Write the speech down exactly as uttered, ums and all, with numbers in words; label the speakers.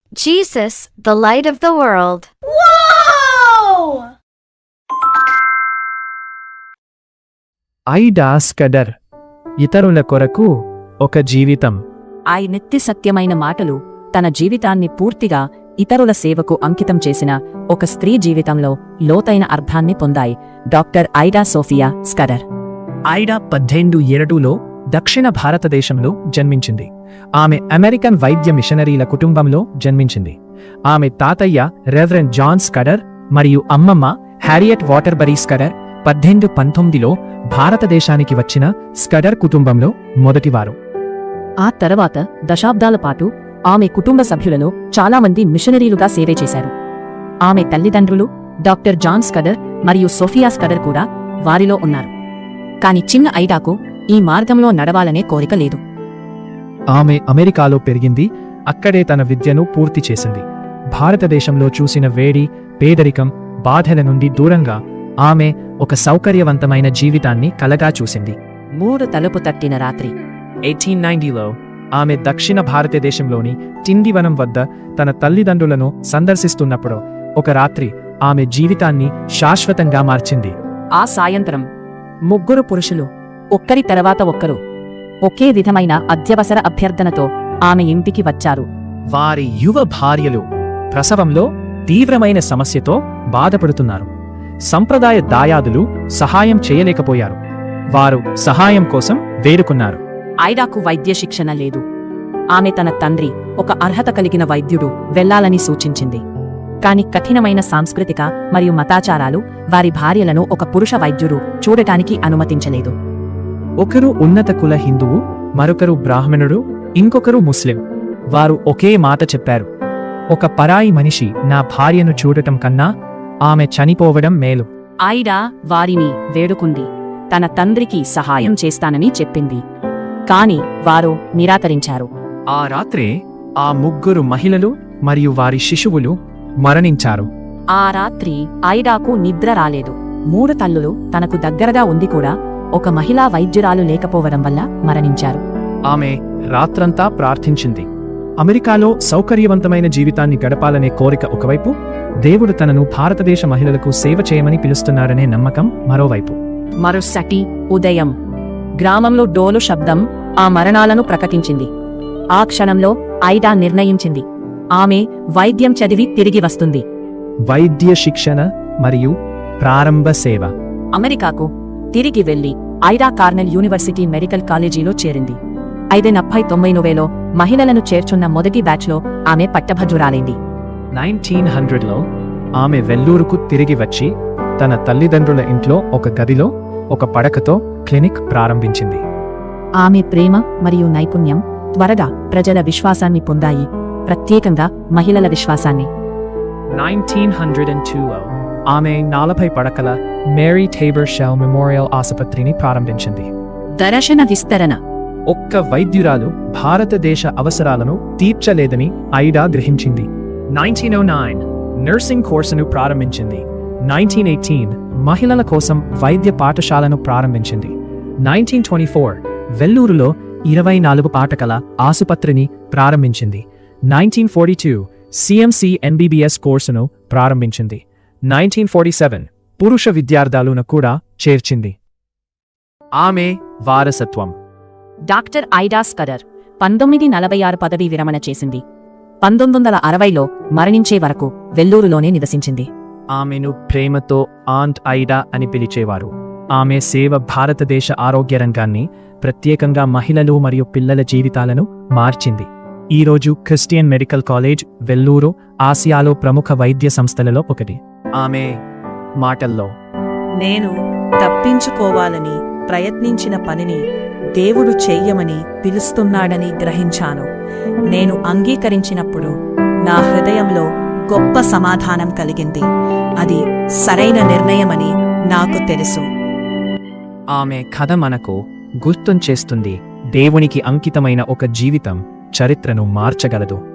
Speaker 1: Jesus, the light of the world.
Speaker 2: Whoa!
Speaker 3: Ida Scudder ఇతరుల కొరకు ఒక జీవితం.
Speaker 4: ఆ నిత్య సత్యమైన మాటలు తన జీవితాన్ని పూర్తిగా ఇతరుల సేవకు అంకితం చేసిన ఒక స్త్రీ జీవితంలో లోతైన అర్థాన్ని పొందాయి. Doctor Ida Sophia Scudder.
Speaker 3: Ida పద్దెనిమిది ఏడులో దక్షిణ భారతదేశంలో జన్మించింది. ఆమె అమెరికన్ వైద్య మిషనరీల కుటుంబంలో జన్మించింది. ఆమె తాతయ్య రెవరెండ్ జాన్ స్కడర్ మరియు అమ్మమ్మ హ్యారియట్ వాటర్బరీ స్కడర్ పద్దెనిమిది పంతొమ్మిదిలో భారతదేశానికి వచ్చిన స్కడర్ కుటుంబంలో మొదటివారు.
Speaker 4: ఆ తర్వాత దశాబ్దాల పాటు ఆమె కుటుంబ సభ్యులలో చాలామంది మిషనరీలుగా సేవే చేశారు. ఆమె తల్లిదండ్రులు డాక్టర్ జాన్ స్కడర్ మరియు సోఫియా స్కడర్ కూడా వారిలో ఉన్నారు. కాని చిన్న ఐడాకు ఈ మార్గంలో నడవాలనే కోరిక లేదు.
Speaker 3: ఆమె అమెరికాలో పెరిగింది. అక్కడే తన విద్యను పూర్తి చేసింది. భారతదేశంలో చూసిన వేడి, పేదరికం, బాధల నుండి దూరంగా ఆమె ఒక సౌకర్యవంతమైన జీవితాన్ని కలగా చూసింది.
Speaker 4: మూడు తలుపు తట్టిన రాత్రి
Speaker 3: ఎయిటీన్ నైన్టీలో ఆమె దక్షిణ భారతదేశంలోని టిండివనం వద్ద తన తల్లిదండ్రులను సందర్శిస్తున్నప్పుడు ఒక రాత్రి ఆమె జీవితాన్ని శాశ్వతంగా మార్చింది.
Speaker 4: ఆ సాయంత్రం ముగ్గురు పురుషులు ఒక్కరి తర్వాత ఒక్కరు ఒకే విధమైన అత్యవసర అభ్యర్థనతో ఆమె ఇంటికి వచ్చారు.
Speaker 3: వారి యువ భార్యలు ప్రసవంలో తీవ్రమైన సమస్యతో బాధపడుతున్నారు. సంప్రదాయ దాయాదులు సహాయం చేయలేకపోయారు. వారు సహాయం కోసం వేడుకున్నారు.
Speaker 4: ఐడాకు వైద్య శిక్షణ లేదు. ఆమె తన తండ్రి ఒక అర్హత కలిగిన వైద్యుడు వెళ్లాలని సూచించింది. కాని కఠినమైన సాంస్కృతిక మరియు మతాచారాలు వారి భార్యలను ఒక పురుష వైద్యుడు చూడటానికి అనుమతించలేదు.
Speaker 3: ఒకరు ఉన్నత కుల హిందువు, మరొకరు బ్రాహ్మణుడు, ఇంకొకరు ముస్లిం. వారు ఒకే మాట చెప్పారు: ఒక పరాయి మనిషి నా భార్యను చూడటం కన్నా ఆమె చనిపోవడం మేలు.
Speaker 4: ఐడా వారిని వేడుకుంది. తన తండ్రికి సహాయం చేస్తానని చెప్పింది. కాని వారు నిరాకరించారు.
Speaker 3: ఆ రాత్రే ఆ ముగ్గురు మహిళలు మరియు వారి శిశువులు మరణించారు.
Speaker 4: ఆ రాత్రి ఐడాకు నిద్ర రాలేదు. మూడు తల్లులు తనకు దగ్గరగా ఉంది కూడా ఒక మహిళా వైద్యురాలు లేకపోవడం వల్ల మరణించారు.
Speaker 3: ఆమె రాత్రంతా ప్రార్థించింది. అమెరికాలో సౌకర్యవంతమైన జీవితాన్ని గడపాలనే కోరిక ఒకవైపు, దేవుడు తనను భారతదేశ మహిళలకు సేవ చేయమని పిలుస్తున్నారనే నమ్మకం మరోవైపు.
Speaker 4: మరుసటి ఉదయం గ్రామంలో డోలు శబ్దం ఆ మరణాలను ప్రకటించింది. ఆ క్షణంలో ఐడా నిర్ణయించింది, ఆమె వైద్యం చదివి తిరిగి వస్తుంది.
Speaker 3: వైద్య శిక్షణ మరియు ప్రారంభ సేవ.
Speaker 4: అమెరికాకు తిరిగి వెళ్లి ఐడా కార్నెల్ యూనివర్సిటీ మెడికల్ కాలేజీలో చేరింది. ఐదు నప్పై తొమ్మిదిలో మహిళలను చేర్చున్న మొదటి బ్యాచ్లో ఆమె పట్టభద్రురాలైంది.
Speaker 3: నైన్టీన్ హండ్రెడ్లో ఆమె వెల్లూరుకు తిరిగి వచ్చి తన తల్లిదండ్రుల ఇంట్లో ఒక గదిలో ఒక పడకతో క్లినిక్ ప్రారంభించింది.
Speaker 4: ఆమె ప్రేమ మరియు నైపుణ్యం త్వరగా ప్రజల విశ్వాసాన్ని పొందాయి, ప్రత్యేకంగా మహిళల విశ్వాసాన్ని.
Speaker 3: నైన్టీన్ హండ్రెడ్ అండ్ టూలో ఆమె నలభై పడకల మేరీ టేబర్ షెల్ మెమోరియల్ ఆసుపత్రిని ప్రారంభించింది.
Speaker 4: దర్శన విస్తరణ.
Speaker 3: ఒక్క వైద్యురాలు భారతదేశ అవసరాలను తీర్చలేదని ఐడా గ్రహించింది. నైన్టీన్ ఓ నైన్ నర్సింగ్ కోర్సును ప్రారంభించింది. నైన్టీన్ ఎయిటీన్ మహిళల కోసం వైద్య పాఠశాలను ప్రారంభించింది. నైన్టీన్ ట్వంటీ ఫోర్ వెల్లూరులో ఇరవై నాలుగు పాఠకల ఆసుపత్రిని ప్రారంభించింది. Nineteen forty two CMC MBBS కోర్సును ప్రారంభించింది. నైన్టీన్ ఫార్టీ సెవెన్ పురుష విద్యార్థులను కూడా చేర్చింది. ఆమె వారసత్వం.
Speaker 4: డాక్టర్ ఐడా స్కడర్ పంతొమ్మిది నలభై ఆరు పదవీ విరమణ చేసింది. పంతొమ్మిది వందల అరవైలో మరణించే వరకు వెల్లూరులోనే నివసించింది.
Speaker 3: ఆమెను ప్రేమతో ఆంట్ ఐడా అని పిలిచేవారు. ఆమె సేవ భారతదేశ ఆరోగ్య రంగాన్ని, ప్రత్యేకంగా మహిళలు మరియు పిల్లల జీవితాలను మార్చింది. ఈరోజు క్రిస్టియన్ మెడికల్ కాలేజ్ వెల్లూరు ఆసియాలో ప్రముఖ వైద్య సంస్థలలో ఒకటి. ఆమె మాటల్లో,
Speaker 5: నేను తప్పించుకోవాలని ప్రయత్నించిన పనిని దేవుడు చెయ్యమని పిలుస్తున్నాడని గ్రహించాను. నేను అంగీకరించినప్పుడు నా హృదయంలో గొప్ప సమాధానం కలిగింది. అది సరైన నిర్ణయమని నాకు తెలుసు.
Speaker 3: ఆమె కథ మనకు గుర్తుంచేస్తుంది, దేవునికి అంకితమైన ఒక జీవితం చరిత్రను మార్చగలదు.